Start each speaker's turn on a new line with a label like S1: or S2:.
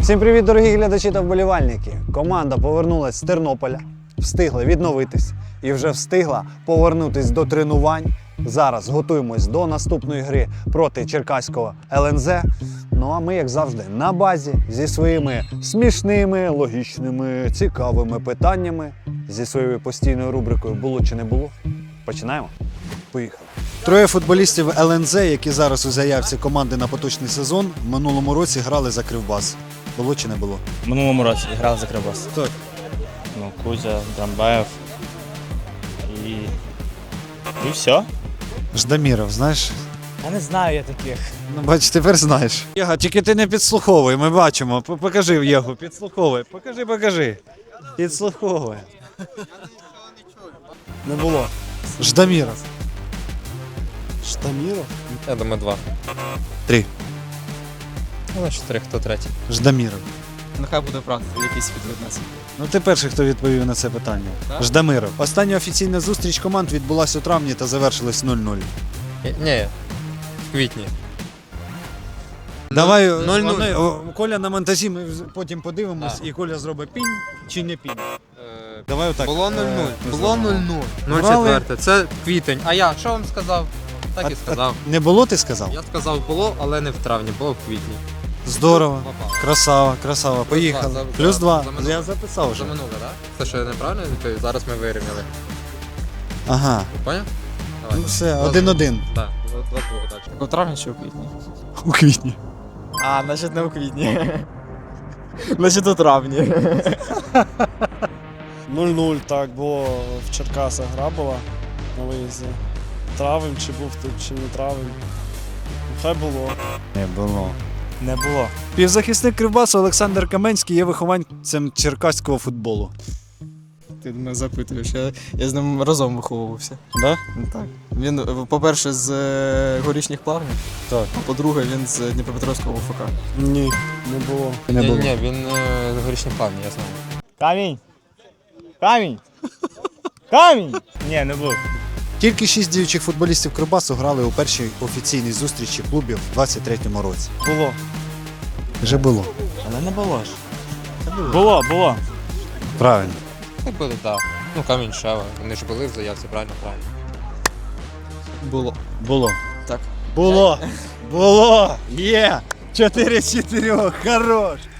S1: Всім привіт, дорогі глядачі та вболівальники! Команда повернулась з Тернополя, встигла відновитись і вже встигла повернутись до тренувань. Зараз готуємось до наступної гри проти черкаського ЛНЗ. Ну а ми, як завжди, на базі зі своїми смішними, логічними, цікавими питаннями, зі своєю постійною рубрикою «Було чи не було?». Починаємо? Поїхали! Троє футболістів ЛНЗ, які зараз у заявці команди на поточний сезон, в минулому році грали за Кривбас. Було чи не було?
S2: В минулому році грав за Кривбас.
S1: Так.
S2: Ну, Кузя, Драмбаєв і все.
S1: Ждаміров, знаєш?
S2: Я не знаю я таких.
S1: Ну, бач, тепер знаєш. Єга, тільки ти не підслуховуй, ми бачимо. Покажи Єгу, підслуховуй. Покажи. Підслуховуй.
S3: Не було.
S1: Ждаміров.
S3: Штаміров?
S4: Я думаю, 2.
S1: 3.
S4: Ну, 4, хто третій?
S1: Ждаміров.
S3: Нехай буде правда, якийсь відвід нас.
S1: Ну ти перший, хто відповів на це питання.
S3: Так?
S1: Ждамиров. Остання офіційна зустріч команд відбулася у травні та завершилась 0-0.
S4: Ні, в квітні.
S1: Давай,
S4: 0-0.
S1: Коля на монтажі, ми потім подивимось, і Коля зробить пінь чи не пінь. Давай отак.
S4: Було 0-0. Було 0-0.
S1: Грали.
S4: 0-4. Це квітень. А я що вам сказав? Так і сказав.
S1: Не було, ти сказав?
S4: Я сказав було, але не в травні, було в квітні.
S1: Здорово.
S4: Попав.
S1: Красава. Поїхали.
S4: За-
S1: Плюс 2.
S4: за минуле.
S1: Я записав вже.
S4: За минуле, так? Це що я неправильно відповів? Зараз ми вирівняли.
S1: Ага.
S4: Поняв?
S1: Ну все, 1-1.
S4: Так, 2-2 далі.
S3: У травні чи у квітні?
S1: У квітні.
S3: А, значить не у квітні. Значить у травні.
S5: 0-0, так, було в Черкасах гра була на виїзді. Травень, чи був тут, чи не травень. Хай було.
S1: Не було. Півзахисник Кривбасу Олександр Каменський є вихованцем черкаського футболу.
S3: Ти мене запитуєш, я з ним разом виховувався.
S1: Да?
S3: Так. Він, по-перше, з Горішніх Плавнів,
S1: Так.
S3: а по-друге, він з Дніпропетровського УФК.
S5: Ні, не було.
S4: Ні, він з горішнім плавні, я знаю.
S2: Камінь! Ні, не був.
S1: Тільки 6 діючих футболістів Кривбасу грали у першій офіційній зустрічі клубів у 23-му році.
S5: Було.
S1: Вже було.
S2: Але не було ж. Було.
S1: Правильно.
S4: Так буде, так. Ну, Камінь, Шева. Вони ж були в заявці, правильно?
S3: Було.
S1: Було. Є! 4 з 4, хорош!